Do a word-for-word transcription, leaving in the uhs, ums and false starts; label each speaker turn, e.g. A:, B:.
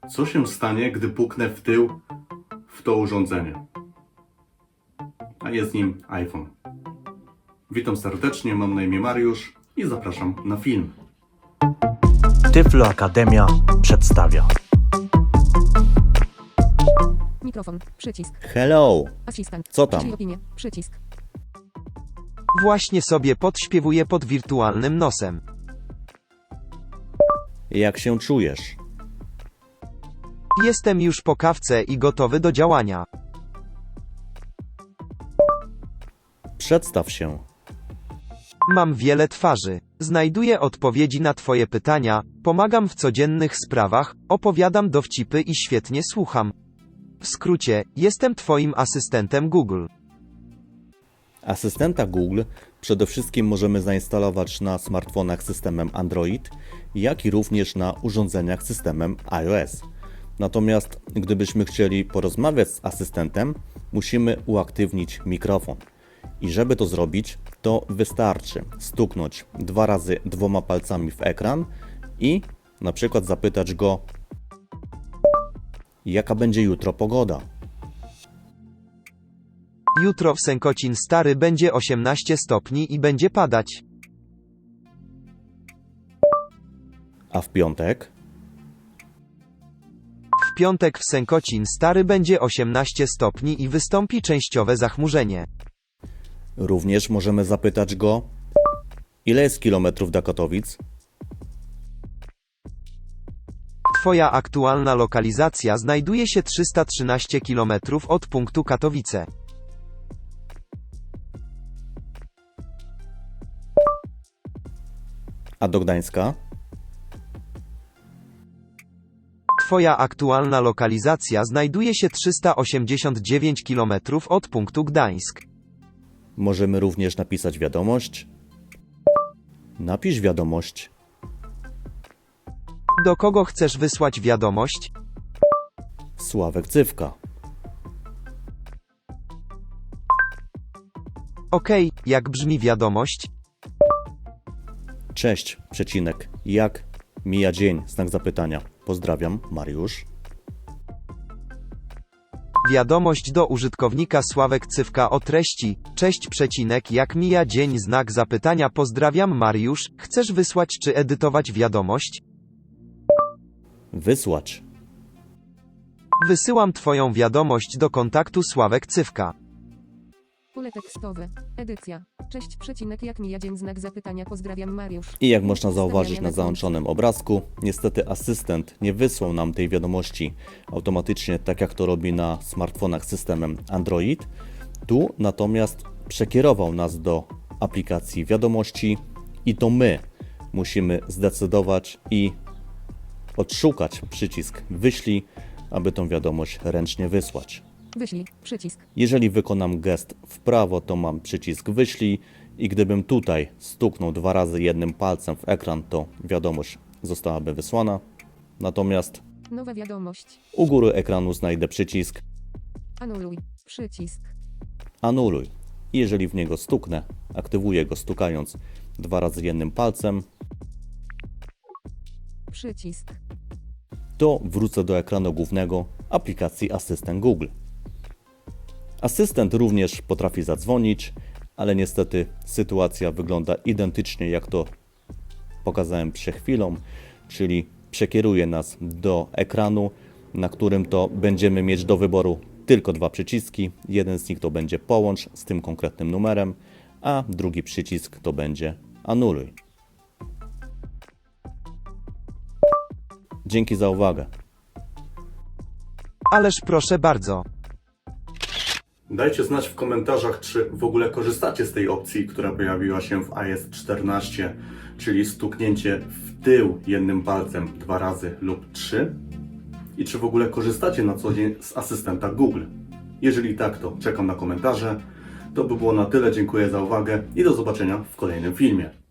A: Co się stanie, gdy puknę w tył w to urządzenie? A jest nim iPhone. Witam serdecznie, mam na imię Mariusz i zapraszam na film.
B: Tyflo Akademia przedstawia.
C: Mikrofon, przycisk,
D: Hello,
C: asystent,
D: co tam?
C: przyjmij opinię, przycisk,
E: Właśnie sobie podśpiewuję pod wirtualnym nosem.
D: Jak się czujesz?
E: Jestem już po kawce i gotowy do działania.
D: Przedstaw się.
E: Mam wiele twarzy. Znajduję odpowiedzi na Twoje pytania, pomagam w codziennych sprawach, opowiadam dowcipy i świetnie słucham. W skrócie, jestem Twoim asystentem Google.
D: Asystenta Google przede wszystkim możemy zainstalować na smartfonach systemem Android, jak i również na urządzeniach systemem iOS. Natomiast gdybyśmy chcieli porozmawiać z asystentem, musimy uaktywnić mikrofon. I żeby to zrobić, to wystarczy stuknąć dwa razy dwoma palcami w ekran i na przykład zapytać go, jaka będzie jutro pogoda.
E: Jutro w Sękocin Stary będzie osiemnaście stopni i będzie padać.
D: A w piątek?
E: W piątek w Sękocin Stary będzie osiemnaście stopni i wystąpi częściowe zachmurzenie.
D: Również możemy zapytać go, ile jest kilometrów do Katowic?
E: Twoja aktualna lokalizacja znajduje się trzysta trzynaście kilometrów od punktu Katowice.
D: A do Gdańska?
E: Twoja aktualna lokalizacja znajduje się trzysta osiemdziesiąt dziewięć kilometrów od punktu Gdańsk.
D: Możemy również napisać wiadomość. Napisz wiadomość.
E: Do kogo chcesz wysłać wiadomość?
D: Sławek Cywka.
E: Okej, jak brzmi wiadomość?
D: Cześć, przecinek. Jak mija dzień? Znak zapytania. Pozdrawiam, Mariusz.
E: Wiadomość do użytkownika Sławek Cywka o treści. Cześć przecinek, jak mija dzień? Znak zapytania. Pozdrawiam, Mariusz. Chcesz wysłać czy edytować wiadomość?
D: Wysłać.
E: Wysyłam Twoją wiadomość do kontaktu Sławek Cywka.
C: pole tekstowe, edycja, cześć przecinek, jak mija dzień, znak zapytania, pozdrawiam, Mariusz.
D: I jak można zauważyć
C: Ustawiania
D: na
C: na
D: załączonym obrazku, niestety asystent nie wysłał nam tej wiadomości automatycznie, tak jak to robi na smartfonach systemem Android. Tu natomiast przekierował nas do aplikacji wiadomości i to my musimy zdecydować i odszukać przycisk wyślij, aby tą wiadomość ręcznie wysłać.
C: Wyślij, przycisk,
D: Jeżeli wykonam gest w prawo, to mam przycisk wyślij i gdybym tutaj stuknął dwa razy jednym palcem w ekran, to wiadomość zostałaby wysłana. Natomiast
C: nowa wiadomość,
D: u góry ekranu znajdę przycisk
C: anuluj, przycisk,
D: anuluj. I jeżeli w niego stuknę, aktywuję go stukając dwa razy jednym palcem,
C: przycisk,
D: to wrócę do ekranu głównego aplikacji Asystent Google. Asystent również potrafi zadzwonić, ale niestety sytuacja wygląda identycznie jak to pokazałem przed chwilą, czyli przekieruje nas do ekranu, na którym to będziemy mieć do wyboru tylko dwa przyciski. Jeden z nich to będzie połącz z tym konkretnym numerem, a drugi przycisk to będzie anuluj. Dzięki za uwagę.
E: Ależ proszę bardzo.
A: Dajcie znać w komentarzach, czy w ogóle korzystacie z tej opcji, która pojawiła się w iOS czternaście, czyli stuknięcie w tył jednym palcem dwa razy lub trzy. I czy w ogóle korzystacie na co dzień z asystenta Google. Jeżeli tak, to czekam na komentarze. To by było na tyle, dziękuję za uwagę i do zobaczenia w kolejnym filmie.